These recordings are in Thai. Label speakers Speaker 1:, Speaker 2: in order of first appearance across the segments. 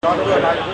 Speaker 1: ตอนด้วยอะไร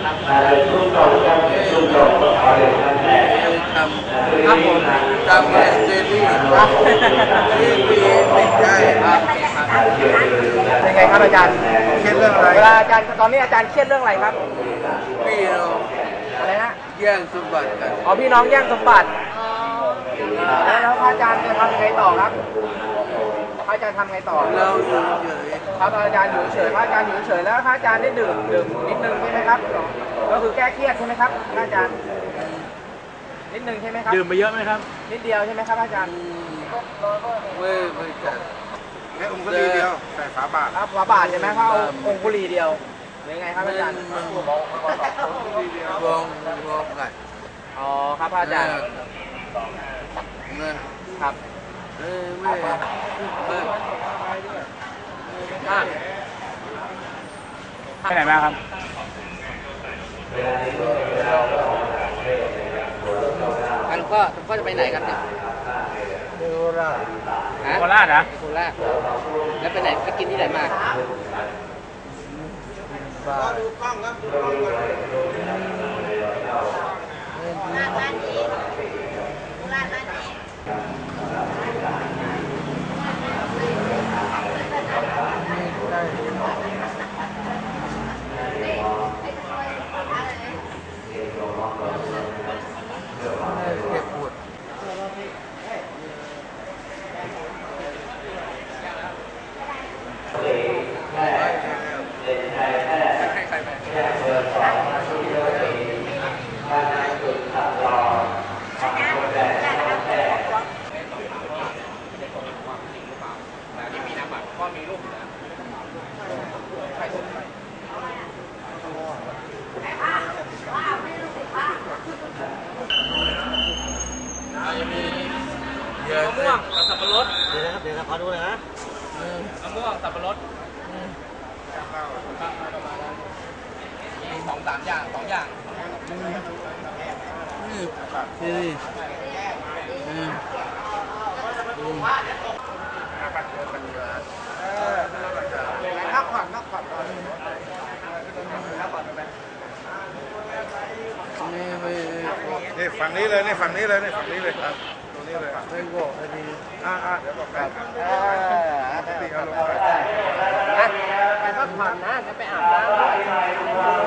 Speaker 1: ทำเจลลี่ที่มีติดใจครับ
Speaker 2: ยังไงครับอาจารย์
Speaker 1: เครียดเรื่องอะไร
Speaker 2: เวลาอาจารย์ตอนนี้อาจารย์เครียดเรื่องอะไรครับ
Speaker 1: พี่น้อง
Speaker 2: อะไรฮะ
Speaker 1: แย่งสมบัติกัน
Speaker 2: อ๋อพี่น้องแย่งสมบัติแล้วพระอาจารย์จะทำไงต่อครับพระอาจารย์ทำไงต่อ
Speaker 1: เราอยู่เฉย
Speaker 2: พระอาจารย์อยู่เฉยพระอาจารย์อยู่เฉยแล้วพระอาจารย์ได้ดื่มนิดนึงใช่ไหมครับก็คือแก้เครียดใช่ไหมครับพระอาจารย์นิดนึงใช่ไหมครับ
Speaker 3: ดื่มไปเยอะไหมครับ
Speaker 2: นิดเดียวใช่ไหมครับอาจารย์
Speaker 1: ไม่จัด
Speaker 3: แค่องค์เดียวใส่ฝาบาท
Speaker 2: ฝาบาทใช่ไหมเขาองค์บุรีเดียวหรือไงครับอาจารย์
Speaker 1: วงกัน
Speaker 2: อ๋อครับอาจารย์ครับ
Speaker 1: ไม่
Speaker 3: ไปไหนมาครับ
Speaker 2: หลวงพ่อจะไปไหนครับเนี่ย
Speaker 1: โคราช
Speaker 3: โคราชนะ
Speaker 2: โคราชแล้วไปไหนไปกินที่ไหนมา
Speaker 1: ดูกล้องครับดูกล้องก่อน
Speaker 4: ร้านนี้ร้านนี้
Speaker 2: มะม่วงกับสับปะรด
Speaker 3: เดี๋ยวขอดูเลยนะ
Speaker 2: มะม่วงสับปะรดมี2-3 อย่าง2 อย่างนักขวัญ
Speaker 3: นี่ฝั่งนี้เลยนี่ฝั่งนี้เลยนี่ฝั่งนี้เลยครับตรงนี้เลย
Speaker 1: ไม่บอกอันนี้
Speaker 3: เดี๋ยวบอกกัน
Speaker 2: ไปพักผ่อนนะจะไปอาบน้ำ